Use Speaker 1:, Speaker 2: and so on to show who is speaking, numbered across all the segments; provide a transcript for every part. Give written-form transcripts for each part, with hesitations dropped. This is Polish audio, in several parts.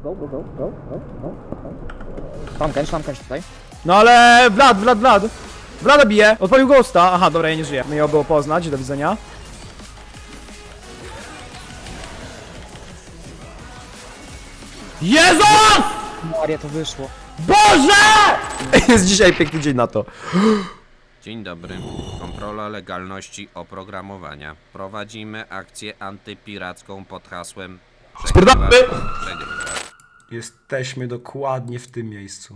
Speaker 1: Go. Szlamkęcz tutaj.
Speaker 2: No ale Vlad! Vlada bije! Odpalił ghosta! Aha, dobra, ja nie żyję. Miło było poznać, do widzenia. Jezus!
Speaker 1: Maria, to wyszło.
Speaker 2: Boże! Jest dzisiaj piękny dzień na to.
Speaker 3: Dzień dobry. Kontrola legalności oprogramowania. Prowadzimy akcję antypiracką pod hasłem
Speaker 2: Spierdolamy!
Speaker 3: Przegrywasz.
Speaker 2: Jesteśmy dokładnie w tym miejscu.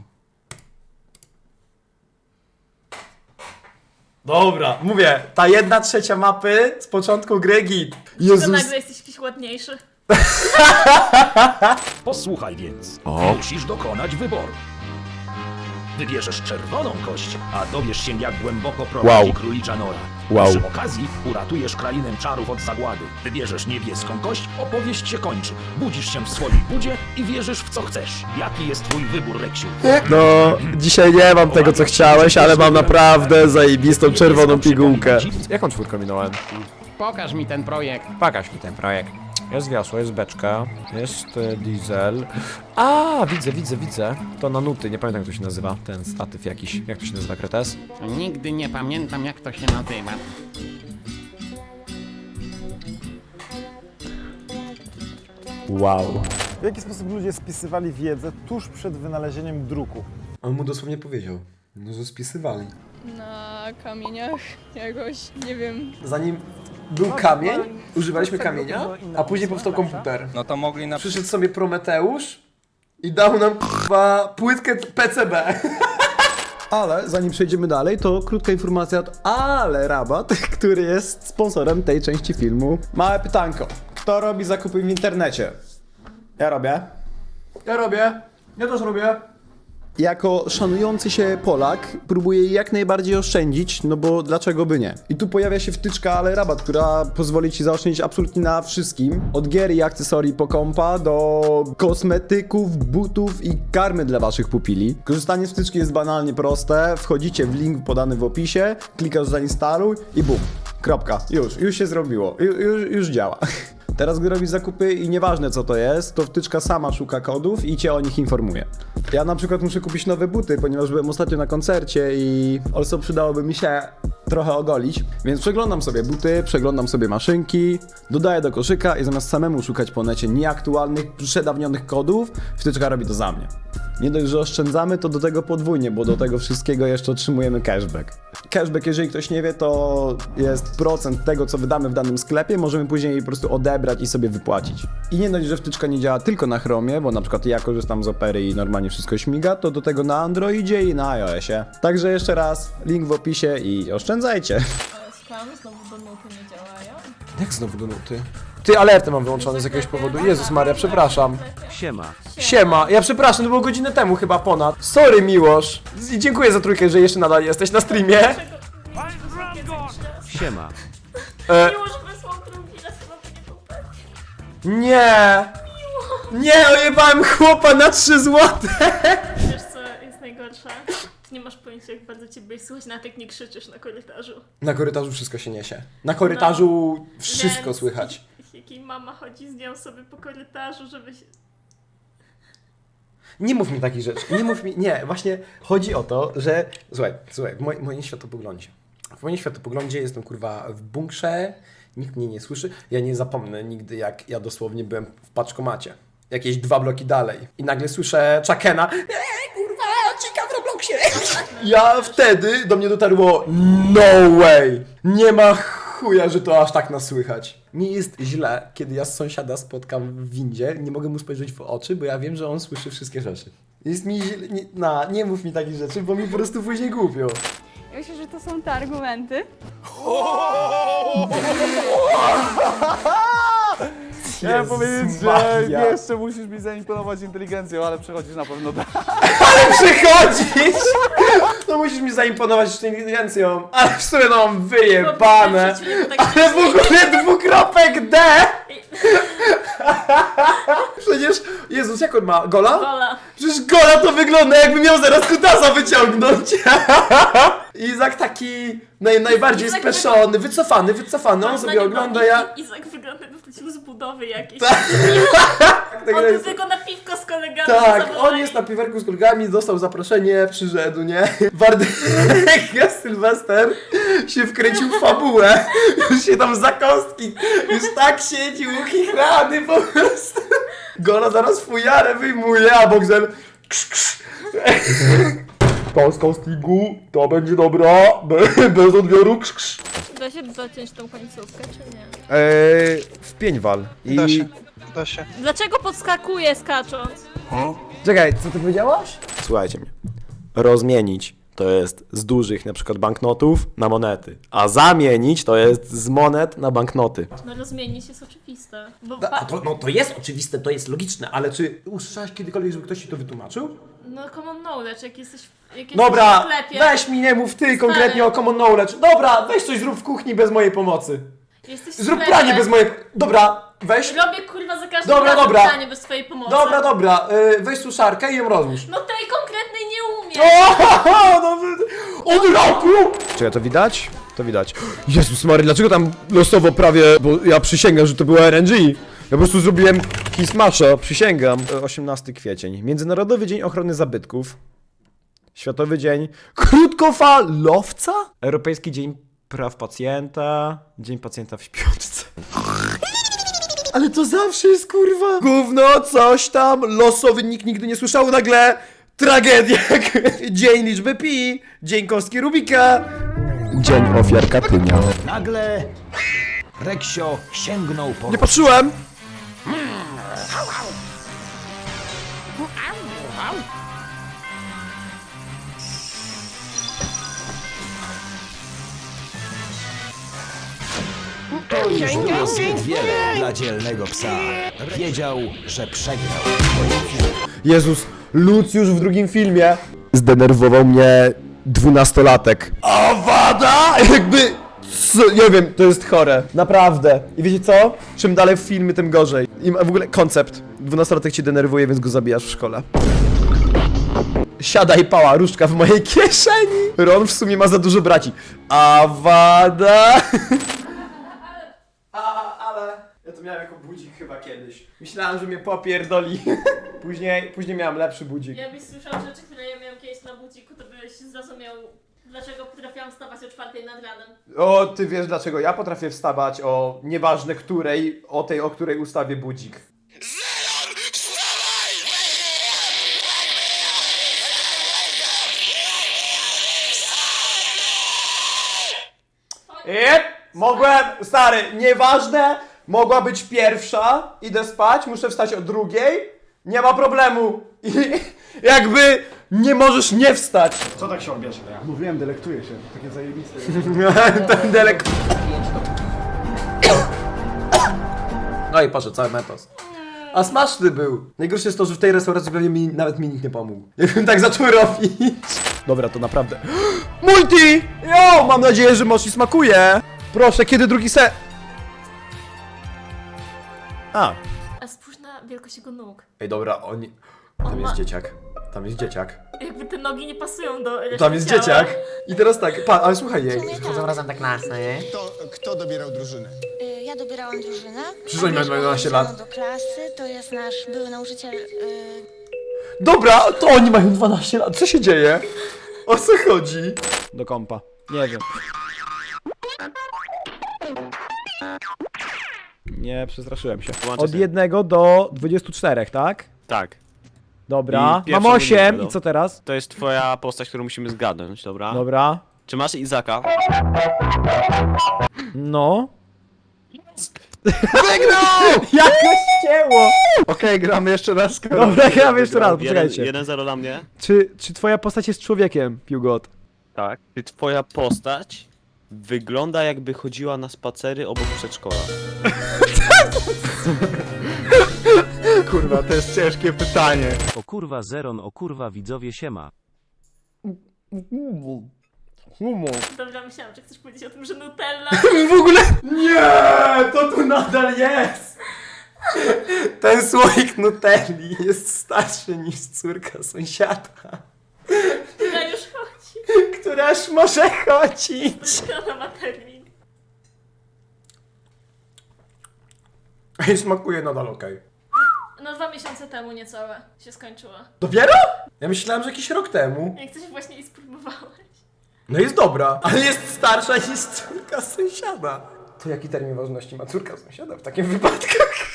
Speaker 2: Dobra, mówię, ta 1/3 mapy z początku gry git.
Speaker 4: To nagle jesteś jakiś ładniejszy.
Speaker 5: Posłuchaj więc. Musisz dokonać wyboru. Wybierzesz czerwoną kość, a dowiesz się, jak głęboko prowadzi królicza nora. Przy okazji uratujesz krainę czarów od zagłady. Wybierzesz niebieską kość, opowieść się kończy. Budzisz się w swojej budzie i wierzysz w co chcesz. Jaki jest twój wybór, Reksiu?
Speaker 2: No, dzisiaj nie mam tego co chciałeś, ale mam naprawdę zajebistą czerwoną pigułkę. Jaką czwórkę minąłem?
Speaker 1: Pokaż mi ten projekt.
Speaker 2: Pokaż mi ten projekt. Jest wiosło, jest beczka, jest diesel. A, widzę. To na nuty, nie pamiętam jak to się nazywa, ten statyw jakiś. Jak to się nazywa, Kretes?
Speaker 1: Nigdy nie pamiętam, jak to się nazywa.
Speaker 2: Wow.
Speaker 6: W jaki sposób ludzie spisywali wiedzę tuż przed wynalezieniem druku?
Speaker 2: On mu dosłownie powiedział, no że spisywali.
Speaker 7: Na kamieniach jakoś, nie wiem.
Speaker 2: Zanim był kamień, używaliśmy kamienia, a później powstał komputer.
Speaker 3: No to mogli na
Speaker 2: Przyszedł sobie Prometeusz i dał nam k***a płytkę PCB. Ale zanim przejdziemy dalej, to krótka informacja od Ale Rabat, który jest sponsorem tej części filmu. Małe pytanko. Kto robi zakupy w internecie? Ja robię. Ja też robię. Jako szanujący się Polak próbuję jak najbardziej oszczędzić, no bo dlaczego by nie? I tu pojawia się wtyczka Ale Rabat, która pozwoli ci zaoszczędzić absolutnie na wszystkim. Od gier i akcesorii po kompa do kosmetyków, butów i karmy dla waszych pupili. Korzystanie z wtyczki jest banalnie proste. Wchodzicie w link podany w opisie, klikasz zainstaluj i bum. Kropka. Już się zrobiło. Już działa. Teraz gdy robisz zakupy i nieważne co to jest, to wtyczka sama szuka kodów i cię o nich informuje. Ja na przykład muszę kupić nowe buty, ponieważ byłem ostatnio na koncercie i also przydałoby mi się trochę ogolić, więc przeglądam sobie buty, przeglądam sobie maszynki, dodaję do koszyka i zamiast samemu szukać po necie nieaktualnych, przedawnionych kodów, wtyczka robi to za mnie. Nie dość, że oszczędzamy, to do tego podwójnie, bo do tego wszystkiego jeszcze otrzymujemy cashback. Cashback, jeżeli ktoś nie wie, to jest procent tego, co wydamy w danym sklepie, możemy później po prostu odebrać i sobie wypłacić. I nie dość, że wtyczka nie działa tylko na Chromie, bo na przykład ja korzystam z Opery i normalnie wszystko śmiga, to do tego na Androidzie i na iOSie. Także jeszcze raz, link w opisie i oszczędzajcie.
Speaker 4: Skam, znowu do nuty nie działają.
Speaker 2: Jak znowu do nuty? Ty, alerty mam wyłączone z jakiegoś powodu. Jezus Maria, przepraszam. Siema, ja przepraszam, to było godzinę temu chyba ponad. Sorry Miłosz. I dziękuję za trójkę, że jeszcze nadal jesteś na streamie.
Speaker 5: Siema.
Speaker 4: Miło, że wysłał drugi raz, chyba to nie był pewnie.
Speaker 2: Nie! Nie, ojebałem chłopa na 3 złote!
Speaker 4: Wiesz co jest najgorsze? Ty nie masz pojęcia, jak bardzo ciebie słychać, nawet jak nie krzyczysz na korytarzu.
Speaker 2: Na korytarzu wszystko się niesie. Na korytarzu wszystko
Speaker 4: Więc
Speaker 2: słychać.
Speaker 4: Jaki mama chodzi z nią sobie po korytarzu, żeby się...
Speaker 2: Nie mów mi takich rzeczy, nie mów mi, nie, właśnie chodzi o to, że, słuchaj, w moim światopoglądzie. W moim światopoglądzie jestem kurwa w bunkrze, nikt mnie nie słyszy, ja nie zapomnę nigdy jak ja dosłownie byłem w paczkomacie. Jakieś 2 bloki dalej i nagle słyszę Chakena, kurwa, cika w Robloxie. Ja wtedy do mnie dotarło, no way, nie ma chuja, że to aż tak nas słychać. Mi jest źle, kiedy ja z sąsiada spotkam w windzie, nie mogę mu spojrzeć w oczy, bo ja wiem, że on słyszy wszystkie rzeczy. Jest mi źle, nie mów mi takich rzeczy, bo mi po prostu później głupio.
Speaker 7: Ja myślę, że to są te argumenty.
Speaker 6: Chciałem powiedzieć, że
Speaker 2: Maria.
Speaker 6: jeszcze musisz mi zaimponować inteligencją, ale przechodzisz na pewno dalej.
Speaker 2: Przychodzisz! No musisz mi zaimponować inteligencją, ale w sumie no mam wyjebane. Ale w ogóle dwukropek D! Przecież, Jezus, jak on ma? Gola?
Speaker 4: Gola.
Speaker 2: Przecież Gola to wygląda jakby miał zaraz kutasa wyciągnąć. Izak taki najbardziej
Speaker 4: Izak
Speaker 2: speszony, wycofany, on sobie ogląda, ja...
Speaker 4: Izak wygląda, jakby wrócił z budowy jakiejś.
Speaker 2: Tak
Speaker 4: On
Speaker 2: jest.
Speaker 4: tylko na piwko z kolegą kolegami.
Speaker 2: Tak,
Speaker 4: zawołali.
Speaker 2: on jest na piwerku z kolegami, dostał zaproszenie, przyszedł, nie? Wardek Sylwester się wkręcił w fabułę, już się tam za kostki, już tak siedzi uchichrany po prostu. Gola zaraz fujarę wyjmuje, a Bogdan krz, krz. To z castingu, to będzie dobra, bez odbioru krz, krz.
Speaker 4: Da się zaciąć tą końcówkę, czy nie?
Speaker 2: W pięćwal. I...
Speaker 8: Da się.
Speaker 4: Dlaczego podskakuje skacząc?
Speaker 2: Czekaj, co ty powiedziałaś? Słuchajcie mnie. Rozmienić to jest z dużych na przykład banknotów na monety, a zamienić to jest z monet na banknoty.
Speaker 4: No rozmienić jest oczywiste. Bo
Speaker 2: To jest oczywiste, to jest logiczne, ale czy usłyszałeś kiedykolwiek, żeby ktoś ci to wytłumaczył?
Speaker 4: no common knowledge, jak jesteś w
Speaker 2: Dobra,
Speaker 4: sklepie.
Speaker 2: weź mi nie mów ty konkretnie o common knowledge. Dobra, weź coś zrób w kuchni bez mojej pomocy.
Speaker 4: Jesteś w
Speaker 2: Zrób
Speaker 4: sklepie,
Speaker 2: pranie bez mojej... Dobra, weź...
Speaker 4: Robię kurwa za każdym
Speaker 2: Dobra,
Speaker 4: razem
Speaker 2: dobra.
Speaker 4: pranie bez twojej pomocy.
Speaker 2: Dobra, weź suszarkę i ją rozłóż.
Speaker 4: No tej konkretnej nie umiem.
Speaker 2: Od roku! Czekaj, to widać? To widać. Jezus Mary, dlaczego tam losowo prawie, bo ja przysięgam, że to była RNG. Ja po prostu zrobiłem Kismasha, przysięgam. 18 kwiecień. Międzynarodowy Dzień Ochrony Zabytków. Światowy Dzień Krótkofalowca. Europejski Dzień Praw Pacjenta. Dzień Pacjenta w śpiączce. Ale to zawsze jest kurwa gówno, coś tam, losowy, nikt nigdy nie słyszał, nagle tragedia. Dzień liczby pi, dzień kostki Rubika, dzień ofiar Katynia.
Speaker 5: Nagle Reksio sięgnął po...
Speaker 2: Nie patrzyłem!
Speaker 5: To już było zbyt wiele dla dzielnego psa. Wiedział, że przegrał.
Speaker 2: Jezus, Lucjusz w drugim filmie zdenerwował mnie 12-latek. Awada! Jakby... Co? Nie wiem, to jest chore. Naprawdę. I wiecie co? Czym dalej w filmy, tym gorzej. I w ogóle koncept. 12-latek cię denerwuje, więc go zabijasz w szkole. Siadaj, pała, różdżka w mojej kieszeni. Ron w sumie ma za dużo braci. Awada! Ale ja to miałem jako budzik chyba kiedyś. Myślałem, że mnie popierdoli. Później miałem lepszy budzik.
Speaker 4: Jakbyś słyszał rzeczy, które ja miałam kiedyś na budziku, to byś zrozumiał, dlaczego potrafiłam wstawać o 4 nad ranem.
Speaker 2: O, ty wiesz dlaczego ja potrafię wstawać o nieważne której, o tej, o której ustawię budzik. Mogłem, stary, nieważne, mogła być pierwsza, idę spać, muszę wstać o drugiej, nie ma problemu. I jakby nie możesz nie wstać.
Speaker 6: Co tak się odbierze? Mówiłem, delektuję się. Takie zajebiste.
Speaker 2: Ten delek. No i poszedł cały metos. A smaczny był. Najgorsze jest to, że w tej restauracji pewnie nawet mi nikt nie pomógł. Jakbym tak zaczął robić. Dobra, to naprawdę... Multi! Jo, mam nadzieję, że mochi smakuje. Proszę, kiedy drugi se... A.
Speaker 4: A spójrz na wielkość jego nóg.
Speaker 2: Ej, dobra, oni... Tam jest dzieciak. Tam jest dzieciak.
Speaker 4: Jakby te nogi nie pasują do reszty
Speaker 2: Tam jest
Speaker 4: ciała.
Speaker 2: dzieciak. I teraz tak, ale słuchaj jej.
Speaker 9: Chodzą
Speaker 1: razem tak na nie?
Speaker 9: Kto dobierał drużynę?
Speaker 10: Ja dobierałam drużynę.
Speaker 2: Przecież oni mają 12 lat.
Speaker 10: Do klasy, to jest nasz były nauczyciel.
Speaker 2: Dobra, to oni mają 12 lat. Co się dzieje? O co chodzi? Do kompa. Nie wiem. Nie, przestraszyłem się. Od 1 do 24, tak?
Speaker 11: Tak.
Speaker 2: Dobra.
Speaker 11: I pierwszą
Speaker 2: Mam 8
Speaker 11: minutę, no.
Speaker 2: i co teraz?
Speaker 11: To jest twoja postać, którą musimy zgadnąć, dobra?
Speaker 2: Dobra.
Speaker 11: Czy masz Izaka?
Speaker 2: No. Wygrał! Jakoś cięło!
Speaker 6: Okej, gramy jeszcze raz.
Speaker 2: Dobra, gramy jeszcze raz, poczekajcie.
Speaker 11: 1-0 dla mnie.
Speaker 2: Czy twoja postać jest człowiekiem, Piugot?
Speaker 11: Tak. Czy twoja postać wygląda jakby chodziła na spacery obok przedszkola?
Speaker 6: Kurwa, to jest ciężkie pytanie.
Speaker 5: O kurwa Zeron, o kurwa widzowie siema.
Speaker 4: Dobra, myślałam, że chcesz powiedzieć o tym, że Nutella...
Speaker 2: W ogóle... Nie! To tu nadal jest! Ten słoik Nutelli jest starszy niż córka sąsiada,
Speaker 4: która już chodzi.
Speaker 2: która już może chodzić.
Speaker 4: Ona ma termin.
Speaker 2: I smakuje nadal okej.
Speaker 4: No 2 miesiące temu niecałe się skończyła.
Speaker 2: Dopiero? Ja myślałem, że jakiś rok temu.
Speaker 4: Jak coś właśnie i spróbowałeś.
Speaker 2: No jest dobra, ale jest starsza niż córka sąsiada. To jaki termin ważności ma córka sąsiada w takim wypadku?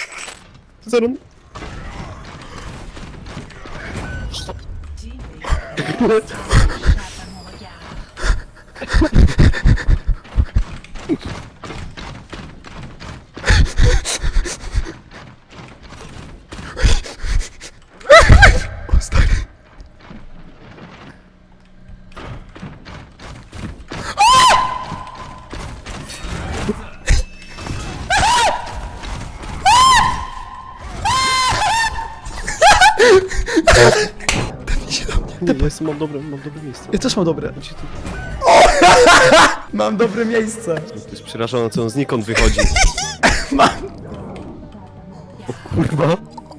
Speaker 11: Mam dobre miejsce.
Speaker 2: Ja też mam dobre. Mam dobre miejsce.
Speaker 11: To jest przerażone, co on znikąd wychodzi.
Speaker 2: Mam.
Speaker 11: O kurwa.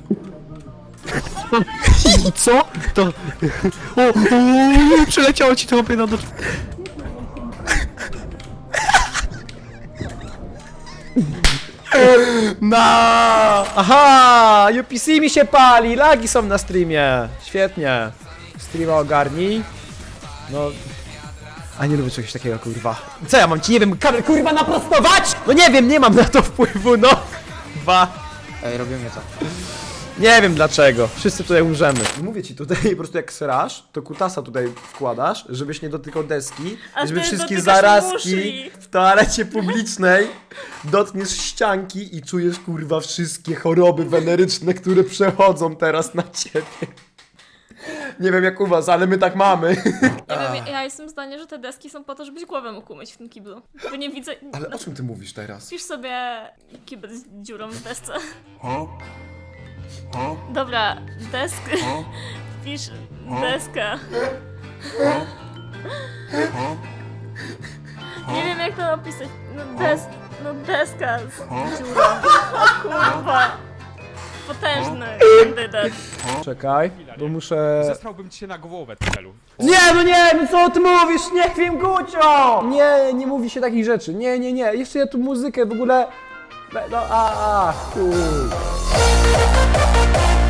Speaker 11: I co? To... Przeleciało ci to opie na dół.
Speaker 2: Aha! UPC mi się pali, lagi są na streamie. Świetnie. Streama ogarnij. No... A nie lubię czegoś takiego, kurwa. Co ja mam ci, nie wiem, kamerę kurwa naprostować? No nie wiem, nie mam na to wpływu, no.
Speaker 1: Ej, robimy to.
Speaker 2: Nie wiem dlaczego. Wszyscy tutaj umrzemy. Mówię ci tutaj po prostu jak srasz, to kutasa tutaj wkładasz, żebyś nie dotykał deski,
Speaker 4: A
Speaker 2: żeby
Speaker 4: ty
Speaker 2: wszystkie
Speaker 4: dotykasz
Speaker 2: zarazki
Speaker 4: muszli.
Speaker 2: w toalecie publicznej dotkniesz ścianki i czujesz kurwa wszystkie choroby weneryczne, które przechodzą teraz na ciebie. Nie wiem jak u was, ale my tak mamy.
Speaker 4: Nie wiem, ja jestem zdania, że te deski są po to, żebyś głowę mógł umyć w tym kiblu. Bo nie widzę...
Speaker 2: Ale o czym ty mówisz teraz?
Speaker 4: Pisz sobie kibel z dziurą w desce. Dobra, Pisz deska. Nie wiem jak to opisać. No deska z dziurą. O kurwa. Potężny kandydat.
Speaker 2: Czekaj, bo muszę...
Speaker 5: Zesrałbym ci się na głowę, celu.
Speaker 2: Nie, no co ty mówisz? Nie wiem, Gucio! Nie mówi się takich rzeczy. Nie. Jeszcze ja tu muzykę w ogóle... No, chuj.